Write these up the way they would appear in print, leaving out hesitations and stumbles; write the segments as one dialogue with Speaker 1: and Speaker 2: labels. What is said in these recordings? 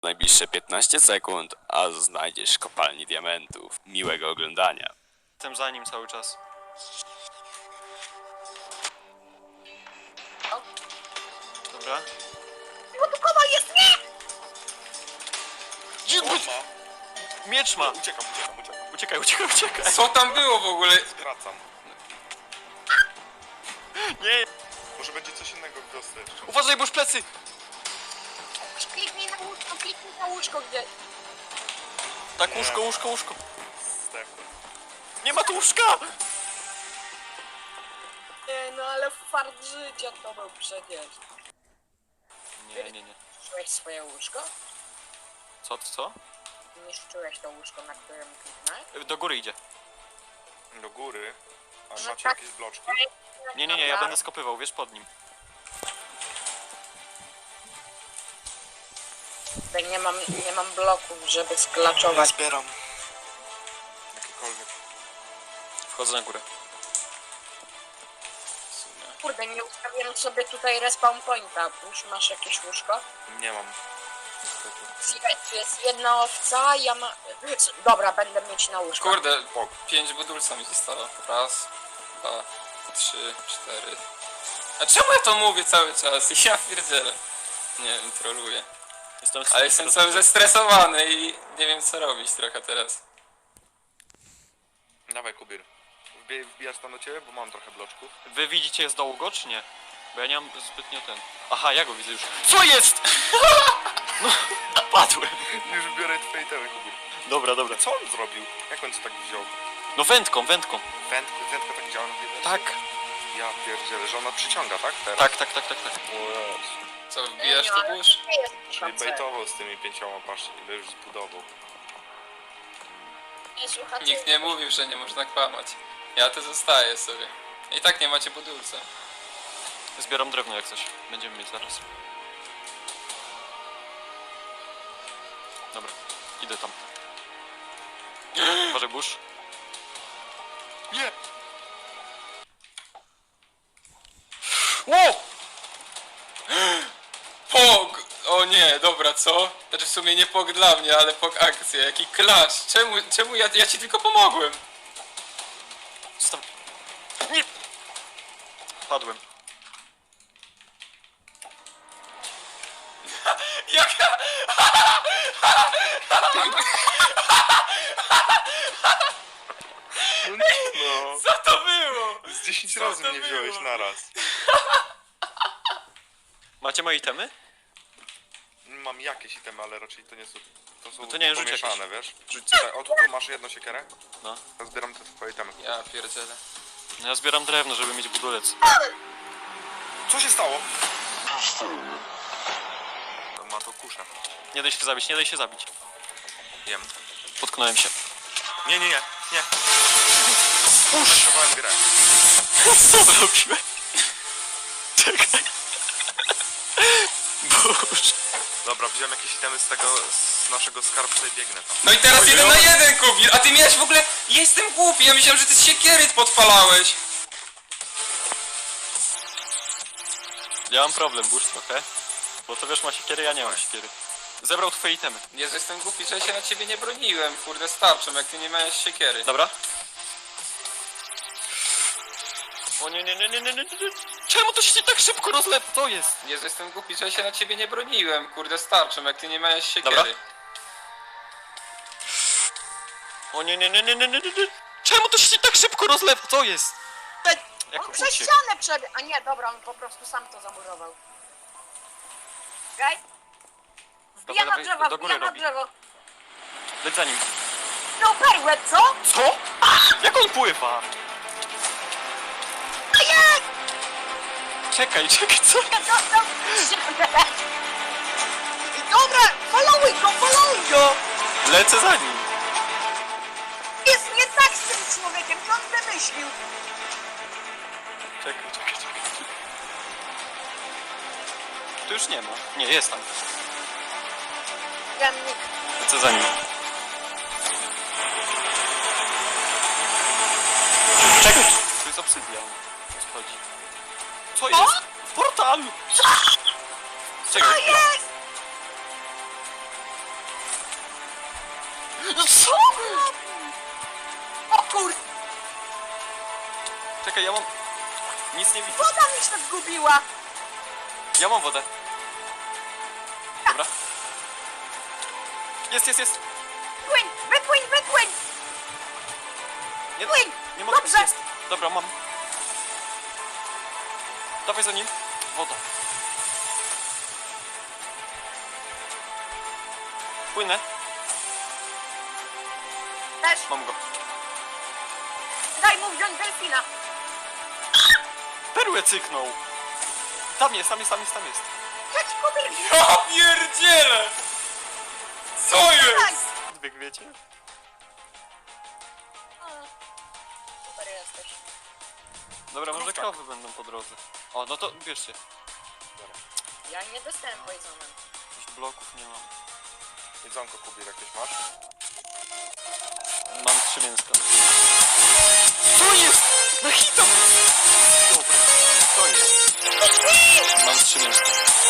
Speaker 1: Najbliższe 15 sekund, a znajdziesz kopalnię diamentów. Miłego oglądania.
Speaker 2: Jestem za nim cały czas. Dobra.
Speaker 3: Produkowa jest nie!
Speaker 2: Miecz ma!
Speaker 4: Uciekam.
Speaker 2: Uciekaj!
Speaker 5: Co tam było w ogóle?
Speaker 4: Wracam.
Speaker 2: Nie!
Speaker 4: Może będzie coś innego w wiosce jeszcze.
Speaker 2: Uważaj, bo już plecy!
Speaker 3: Kliknij na łóżko gdzieś.
Speaker 2: Tak,
Speaker 4: Nie.
Speaker 2: łóżko.
Speaker 4: Zdechłem.
Speaker 2: Nie ma tu łóżka!
Speaker 3: Nie, no ale fart życia to był przecież.
Speaker 2: Nie.
Speaker 3: Niszczyłeś swoje łóżko?
Speaker 2: Co?
Speaker 3: Niszczyłeś to łóżko, na którym kliknąłeś?
Speaker 2: Do góry idzie.
Speaker 4: Do góry. A
Speaker 3: Że
Speaker 4: macie
Speaker 3: tak.
Speaker 4: jakieś bloczki?
Speaker 2: Nie, ja będę skopywał, wiesz, pod nim.
Speaker 3: Tutaj nie mam bloków, żeby sklaczować.
Speaker 4: Zbieram. Jakiekolwiek.
Speaker 2: Wchodzę na górę.
Speaker 3: Kurde, nie ustawiłem sobie tutaj respawn pointa. Już masz jakieś łóżko?
Speaker 4: Nie mam. Niestety.
Speaker 3: Słuchaj, tu jest jedna owca, ja ma... Dobra, będę mieć na łóżko.
Speaker 5: Kurde, 5 budulca mi zostało. Raz, 2, 3, 4. A czemu ja to mówię cały czas? Ja pierdzielę. Nie wiem, troluję. Ale jestem cały zestresowany i nie wiem co robić trochę teraz.
Speaker 4: Dawaj, Kubir. Wbijasz tam do ciebie, bo mam trochę bloczków.
Speaker 2: Wy widzicie z dołu go, czy nie? Bo ja nie mam zbytnio ten... Aha, ja go widzę już. Co jest?! No, padłem.
Speaker 4: Już biorę twoje temy, Kubir.
Speaker 2: Dobra.
Speaker 4: Co on zrobił? Jak on to tak wziął?
Speaker 2: No wędką.
Speaker 4: Wędka tak działa na tej
Speaker 2: Tak.
Speaker 4: Ja pierdzielę, że ona przyciąga, tak? Teraz?
Speaker 2: Tak.
Speaker 4: O Jezu.
Speaker 5: Co, wbijasz
Speaker 3: no,
Speaker 5: tu
Speaker 3: ale
Speaker 5: burz?
Speaker 3: nie jest
Speaker 4: Czyli
Speaker 3: HC.
Speaker 4: bejtował z tymi 5, patrzcie, ile już zbudował.
Speaker 3: Nie jest HC.
Speaker 5: Nikt nie mówił, że nie można kłamać. Ja to zostaję sobie. I tak nie macie budulca.
Speaker 2: Zbieram drewno jak coś. Będziemy mieć zaraz. Dobra, idę tam. Uważaj, burz.
Speaker 4: Nie!
Speaker 5: Ło! Pog! O nie, dobra, co? Znaczy w sumie nie pog dla mnie, ale pog akcja. Jaki klacz. Czemu ja ci tylko pomogłem?
Speaker 2: Zostaw... Nie! Padłem.
Speaker 5: Jaka...
Speaker 4: No,
Speaker 5: Co to było?
Speaker 4: z 10
Speaker 5: Co
Speaker 4: razy
Speaker 5: to
Speaker 4: mnie wziąłeś
Speaker 5: było?
Speaker 4: naraz.
Speaker 2: Macie moje itemy?
Speaker 4: Mam jakieś itemy, ale raczej to nie są... To są
Speaker 2: to nie, rzuć
Speaker 4: pomieszane,
Speaker 2: jakieś.
Speaker 4: wiesz?
Speaker 2: Rzuć.
Speaker 4: Tutaj, o tu masz jedną siekierę.
Speaker 2: No.
Speaker 4: Ja zbieram te twoje itemy.
Speaker 5: Ja pierdzielę.
Speaker 2: No ja zbieram drewno, żeby mieć budulec.
Speaker 4: Co się stało? To ma to kuszę.
Speaker 2: Nie daj się zabić.
Speaker 4: Jem.
Speaker 2: Potknąłem się.
Speaker 4: Nie. Uszowałem grę.
Speaker 2: Co zrobiłem? Czekaj. Boże.
Speaker 4: Dobra, wziąłem jakieś itemy z naszego skarbca i biegnę tam.
Speaker 5: No i teraz 1 na 1, Kubir! A ty miałeś w ogóle... Jestem głupi, ja myślałem, że ty z siekiery podpalałeś.
Speaker 2: Ja mam problem, burz trochę. Bo to wiesz, ma siekiery, ja nie mam siekiery. Zebrał twoje itemy.
Speaker 5: Jezu, jestem głupi, że ja się na ciebie nie broniłem, kurde, starczą, jak ty nie miałeś siekiery.
Speaker 2: Dobra? O nie. Czemu to się tak szybko rozlewa? Co jest?
Speaker 5: Jezu, jestem głupi, że ja się na ciebie nie broniłem, kurde, starczą, jak ty nie miałeś siekiery.
Speaker 2: Dobra. O nie. Czemu to się tak szybko rozlewa? Co jest? Jak
Speaker 3: On przez
Speaker 2: uciekł?
Speaker 3: ścianę przebiegł. A nie, dobra, on po prostu sam to zamurował. Okej? Wbijam na
Speaker 2: Dobra,
Speaker 3: drzewo,
Speaker 2: do góry
Speaker 3: wbijam na
Speaker 2: robi.
Speaker 3: drzewo.
Speaker 2: Leć za nim.
Speaker 3: No perłę, co?
Speaker 2: Co? Jak on pływa?
Speaker 3: A jak?
Speaker 2: Czekaj, co?
Speaker 3: Dobra, followuj go!
Speaker 2: Lecę za nim.
Speaker 3: Jest nie tak z tym człowiekiem, co on wymyślił?
Speaker 2: Czekaj. Tu już nie ma. Nie, jest tam.
Speaker 3: Jamnik.
Speaker 2: Lecę za nim. Czekaj! Tu jest obsydian. O co chodzi? Co jest? Portal!
Speaker 3: Co
Speaker 2: Czekaj.
Speaker 3: jest?
Speaker 2: No co?
Speaker 3: O kur...
Speaker 2: Czekaj, ja mam... Nic nie widzę.
Speaker 3: Woda mi się zgubiła!
Speaker 2: Ja mam wodę. Dobra. Jest, jest, jest.
Speaker 3: Płyń! Wypłyń, wypłyń!
Speaker 2: Nie,
Speaker 3: Płyń!
Speaker 2: nie mogę.
Speaker 3: Dobrze.
Speaker 2: Jest. Dobra, mam. Dawaj za nim. Woda. Płynę.
Speaker 3: Też!
Speaker 2: Mam go.
Speaker 3: Daj mu wziąć delfina!
Speaker 2: Perłę cyknął. Tam jest, tam jest, tam jest, tam jest.
Speaker 3: Chodź, Kubir!
Speaker 5: Ja pierdzielę! Co
Speaker 3: Daj!
Speaker 5: jest?
Speaker 2: Zbieg, wiecie?
Speaker 3: Super jesteś.
Speaker 2: Dobra, może kawy będą po drodze. O, no to bierzcie.
Speaker 3: Ja nie dostałem poisonem.
Speaker 2: Już bloków nie mam.
Speaker 4: Jedzonko Kubir jakieś masz?
Speaker 2: Mam 3 mięska. Co jest? Na hita! Dobra, co jest? Mam 3 mięska.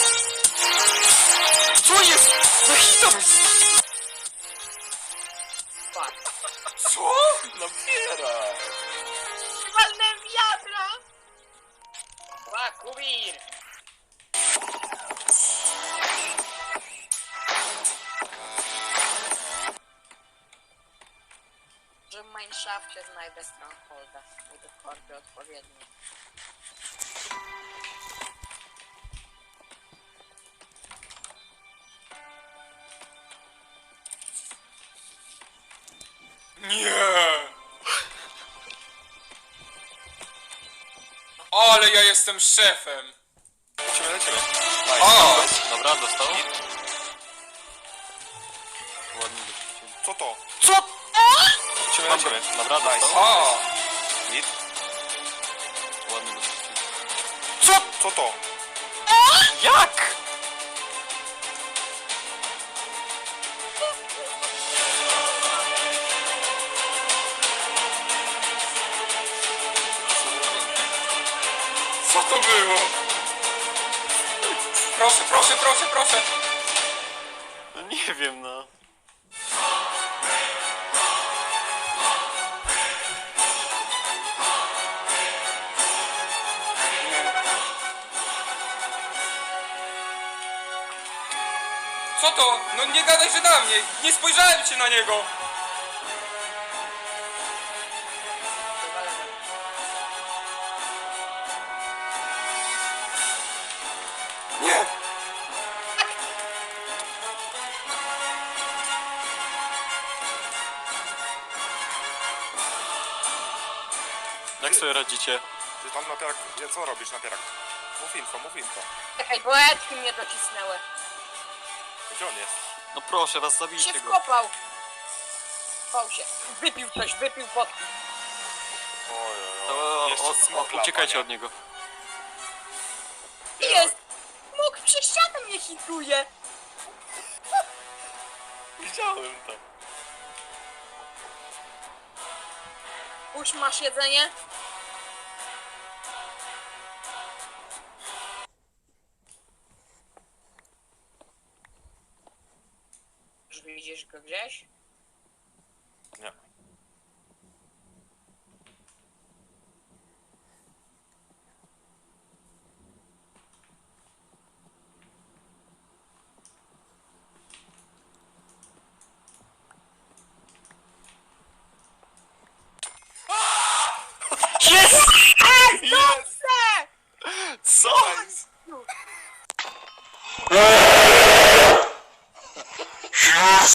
Speaker 2: Co jest? Na hita!
Speaker 3: Fuck.
Speaker 2: Co? Napiera!
Speaker 3: Walnę wiadra! Ła, Kubir! Że w Mineshafcie znajdę Strongholda i dokładnie odpowiednio.
Speaker 5: Nie! Ale ja jestem szefem!
Speaker 4: Lecimy.
Speaker 5: O!
Speaker 2: Dobra, dostał. Ładnie dopuścili.
Speaker 4: Co to?
Speaker 2: Co?
Speaker 4: Lecimy,
Speaker 2: Mam go.
Speaker 4: lecimy.
Speaker 2: Dobra, dostał.
Speaker 5: O!
Speaker 4: Git.
Speaker 2: Ładnie dopuścili.
Speaker 4: Co to?
Speaker 2: Jak?
Speaker 5: Co to było? Proszę, proszę, proszę, proszę!
Speaker 2: No nie wiem, no.
Speaker 5: Co to? No nie gadaj, że na mnie! Nie spojrzałem się na niego! Nie!
Speaker 2: Jak sobie radzicie?
Speaker 4: Ty tam napierak... Co robisz napierak? Mów info, mów info.
Speaker 3: Czekaj, bo etki mnie docisnęły.
Speaker 4: Gdzie on jest?
Speaker 2: No proszę was,
Speaker 3: Się
Speaker 2: zabijcie go.
Speaker 3: wkopał. Wkopał się. Wypił coś, wypił potki.
Speaker 2: O,
Speaker 4: Jeszcze smok lata,
Speaker 2: uciekajcie
Speaker 4: nie?
Speaker 2: od niego.
Speaker 3: Jest! Mógł przez ścianę mnie hituje.
Speaker 4: Widziałem to.
Speaker 3: Już masz jedzenie? Już widzisz go gdzieś?
Speaker 4: Nie.
Speaker 2: Jest!
Speaker 3: Dobrze!
Speaker 2: Co?
Speaker 4: Nice.